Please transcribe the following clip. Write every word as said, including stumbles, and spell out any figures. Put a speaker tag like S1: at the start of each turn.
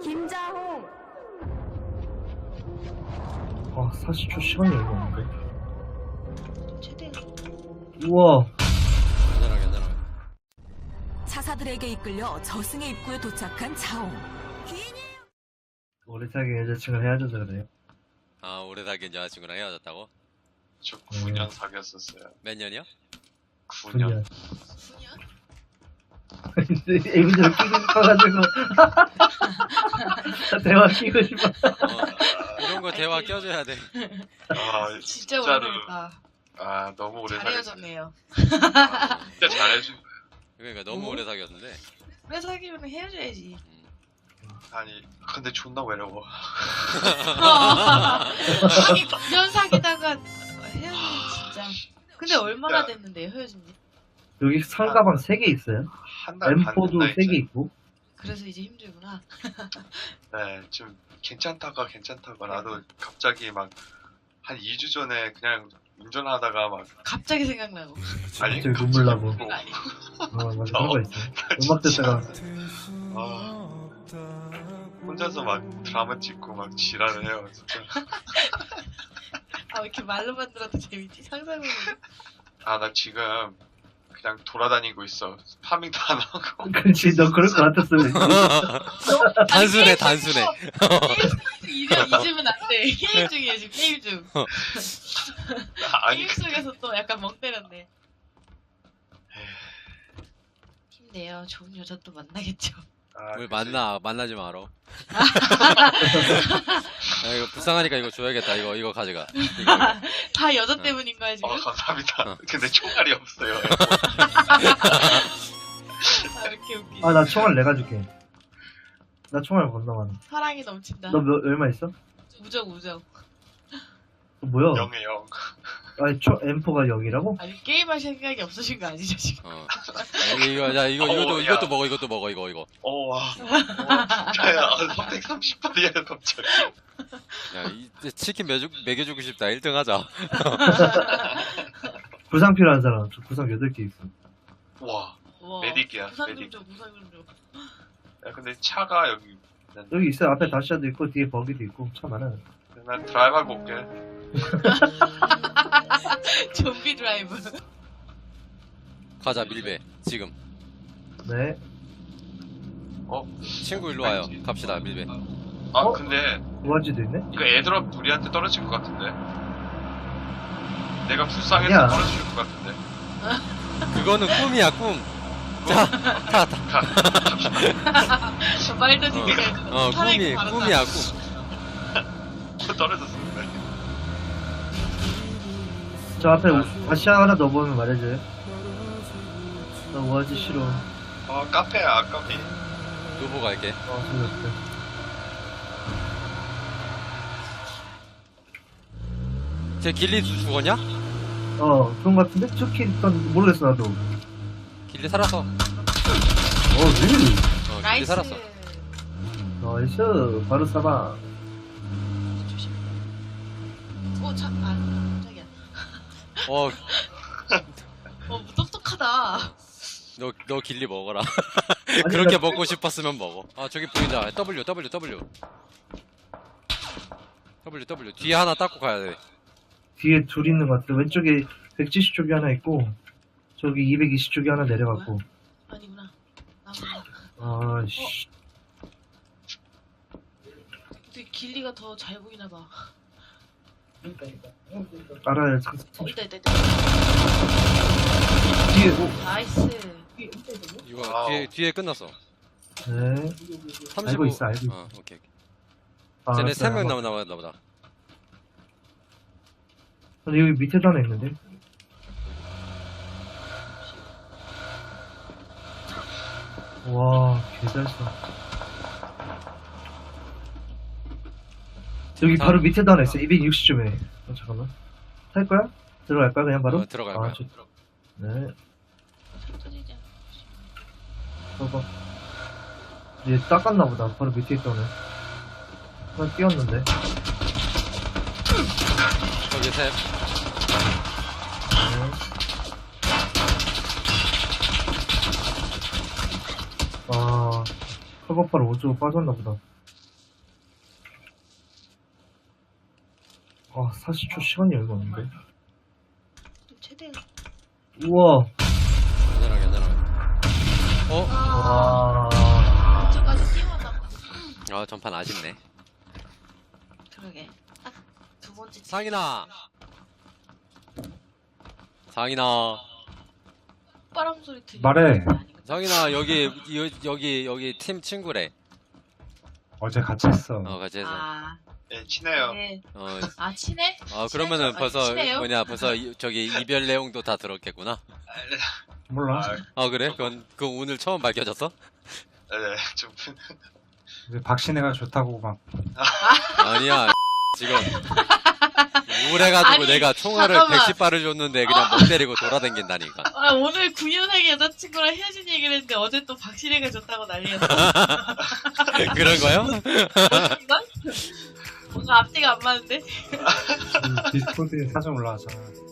S1: 김자홍.
S2: 아, 사십 초 시간이 얼마 없는데.
S3: 최대.
S2: 우와.
S4: 괜찮아 괜찮아.
S1: 차사들에게 이끌려 저승의 입구에 도착한 자홍.
S2: 오래 사귄 여자친구랑 헤어져서 그래요.
S4: 아 오래 사귄 여자친구랑 헤어졌다고?
S5: 저 구 년 사귀었었어요.
S4: 몇 년이요?
S5: 구 년.
S2: 애기들 끼고 싶어가지고. 대화 끼고 싶어.
S4: 어, 이런 거 대화 껴줘야 돼.
S5: 아,
S3: 진짜
S5: 진짜로.
S3: 오래됐다.
S5: 아, 너무 오래
S3: 잘
S5: 사귀었어요.
S3: 헤어졌네요.
S5: 아, 진짜 잘해준 거예요.
S4: 그러니까 너무
S3: 어?
S4: 오래 사귀었는데.
S3: 오래 사귀면 헤어져야지.
S4: 음.
S5: 아니, 근데 존나 외로워.
S3: 아니 구 년 사귀다가 헤어지면 진짜. 근데 얼마나 됐는데요 헤어진 지?
S2: 여기 상가방 세 개 있어요.
S5: 한 달 반
S2: 엠포도
S5: 됐나
S2: 세 개
S5: 이제.
S2: 있고.
S3: 그래서 이제 힘들구나.
S5: 네, 좀 괜찮다가 괜찮다가 나도 갑자기 막 한 이 주 전에 그냥 운전하다가 막
S3: 갑자기 생각나고.
S5: 아니
S2: 갑자기 눈물 나고.
S3: 그거 아니고.
S2: 어, 맞아. 그런 거 있어. 음악 듣다가.
S5: 아, 혼자서 막 드라마 찍고 막 지랄을 해요. 진짜.
S3: 아 왜 이렇게 말로만 들어도 재밌지? 상상을.
S5: 아, 나 지금 그냥 돌아다니고 있어. 파밍도 안 하고.
S2: 그렇지, 너 그럴 것 같았으면.
S4: 단순해 단순해.
S3: 이제 잊으면 안 돼. 게임 중이에요 지금 게임 중.
S5: 아니,
S3: 게임 속에서 또 약간 멍 때렸네. 힘내요. 좋은 여자 또 만나겠죠.
S5: 아,
S4: 뭘
S5: 그치.
S4: 만나 만나지 마라. 야, 이거 불쌍하니까 이거 줘야겠다. 이거 이거 가져가. 이거, 이거.
S3: 다 여자 때문인 거야 지금?
S5: 어, 감사합니다.
S4: 어.
S5: 근데 총알이 없어요.
S3: 아 이렇게 웃기.
S2: 아, 나 총알 내가 줄게. 나 총알 건너 많아.
S3: 사랑이 넘친다.
S2: 너 몇, 얼마 있어?
S3: 우정 우정.
S2: 어, 뭐야?
S5: 영에 영.
S2: 아니, 초, 엠포가 영이라고?
S3: 아니 게임할 생각이 없으신 거 아니죠 지금?
S4: 어. 야, 이거 야 이거
S5: 어,
S4: 이것도
S5: 야.
S4: 이것도 먹어 이것도 먹어 이거 이거.
S5: 어, 와. 와, 진짜야. 삼백삼십 발이야, 갑자기.
S4: 야 이 치킨 매주, 먹여주고 싶다. 일 등 하자.
S2: 구상 필요한 사람. 저 구상 여덟 개 있어.
S5: 와.
S3: 와.
S5: 메딕이야,
S3: 부산 좀
S5: 메딕.
S3: 줘, 부산 좀 줘.
S5: 야, 근데 차가 여기. 난,
S2: 여기 있어요. 앞에 다시아도 있고, 뒤에 버기도 있고. 차 많아요.
S5: 난 드라이브 하고 올게.
S3: 좀비 드라이브.
S4: 가자 밀배 지금.
S2: 네.
S5: 어?
S4: 친구 일로 와요. 갑시다 밀배.
S5: 아,
S2: 어?
S5: 근데,
S2: 우아지도 있네?
S5: 이거 애드롭 우리한테 떨어질 것 같은데. 내가 불쌍해서
S2: 아니야.
S5: 떨어질 것 같은데.
S4: 그거는 꿈이야 꿈. 자, 타, 타.
S5: 가, 갑시다.
S3: 저 말도 되게
S4: 어, 어 꿈이, 꿈이야, 꿈.
S5: 떨어졌어.
S2: 저 앞에 우- 다시아 하나 넣어보면 말해줘요. 나 우아지 싫어.
S5: 어, 카페야, 아까비.
S4: 누보 갈게.
S2: 어, 소리 없어.
S4: 쟤 길리 죽었냐?
S2: 어, 그런 거 같은데? 쭈키 일단 모르겠어, 나도.
S4: 길리 살았어. 어,
S2: 어, really?
S4: 길리
S3: 나이스.
S4: 살았어.
S2: 나이스. 바로 싸봐.
S3: 조심. 오, 차, 아, 깜짝이야.
S4: 어,
S3: 어, 뭐 똑똑하다.
S4: 너, 너 길리 먹어라.
S2: 아니,
S4: 그렇게
S2: 나-
S4: 먹고 싶었으면 먹어. 아, 저기 보인다. W, W, W. W, W. 뒤에 하나 닦고 가야 돼.
S2: 뒤에 둘 있는 것 같아. 왼쪽에 백칠십 쪽이 하나 있고, 저기 이백이십 쪽이 하나 내려갔고.
S3: 아니구나. 나구나.
S2: 아씨.
S3: 근데 길리가 더 잘 보이나 봐.
S2: 알아요.
S3: 어, 있다, 있다, 있다.
S2: 뒤에, 오.
S3: 나이스.
S4: 이거
S5: 와우.
S4: 뒤에, 뒤에 끝났어.
S2: 네.
S4: 삼십오.
S2: 알고 있어, 알고 있어.
S4: 어, 오케이. 오케이.
S2: 아,
S4: 쟤네
S2: 알았어요.
S4: 세 명
S2: 한번.
S4: 남았나 보다.
S2: 근데 여기 밑에도 하나 있는데? 와, 개잘 써. 여기
S4: 다-
S2: 바로 밑에도 하나 있어. 이백육십 점에. 어, 잠깐만. 탈 거야? 들어갈 거야? 그냥 바로?
S4: 어, 들어갈 거야.
S2: 아, 저, 네.
S3: 터지지 않아.
S2: 봐봐. 얘 닦았나 보다. 바로 밑에 있다네. 하나 뛰었는데.
S4: 저기 셋.
S2: 네. 아, 커버팔 오 조 빠졌나 보다. 아, 사십 초 시간이 얼마 없는데.
S3: 최대.
S2: 우와.
S4: 괜찮아 괜찮아. 어?
S3: 아,
S2: 와.
S3: 이쪽까지 뛰어나.
S4: 아 전판 아쉽네.
S3: 그러게. 딱 두 번째.
S4: 상인아. 상인아.
S3: 바람 소리 들리.
S6: 말해.
S4: 상인아 여기 여, 여기 여기 팀 친구래.
S6: 어제 같이 했어.
S4: 어 같이 해서.
S3: 아,
S5: 네, 친해요.
S3: 네.
S4: 어,
S3: 아 친해?
S4: 어 그러면은
S3: 친하죠?
S4: 벌써
S3: 아니, 친해요?
S4: 뭐냐 벌써 이- 저기 이별 내용도 다 들었겠구나.
S6: 몰라.
S5: 아,
S4: 아 그래? 그건 그 오늘 처음 밝혀졌어?
S5: 네, 좀
S6: 이제 박신혜가 좋다고 막.
S4: 아니야. 지금 우울해가지고
S3: 아니,
S4: 내가 총알을
S3: 잠깐만.
S4: 백십 발을 줬는데 그냥 멍 때리고 돌아다닌다니까.
S3: 아, 오늘 구 년생 여자친구랑 헤어진 얘기를 했는데 어제 또 박신혜가 줬다고 난리였어.
S4: 그런 거요?
S3: 이건? 뭔가 앞뒤가 안 맞는데?
S6: 디스코드에 사진 올라왔잖아.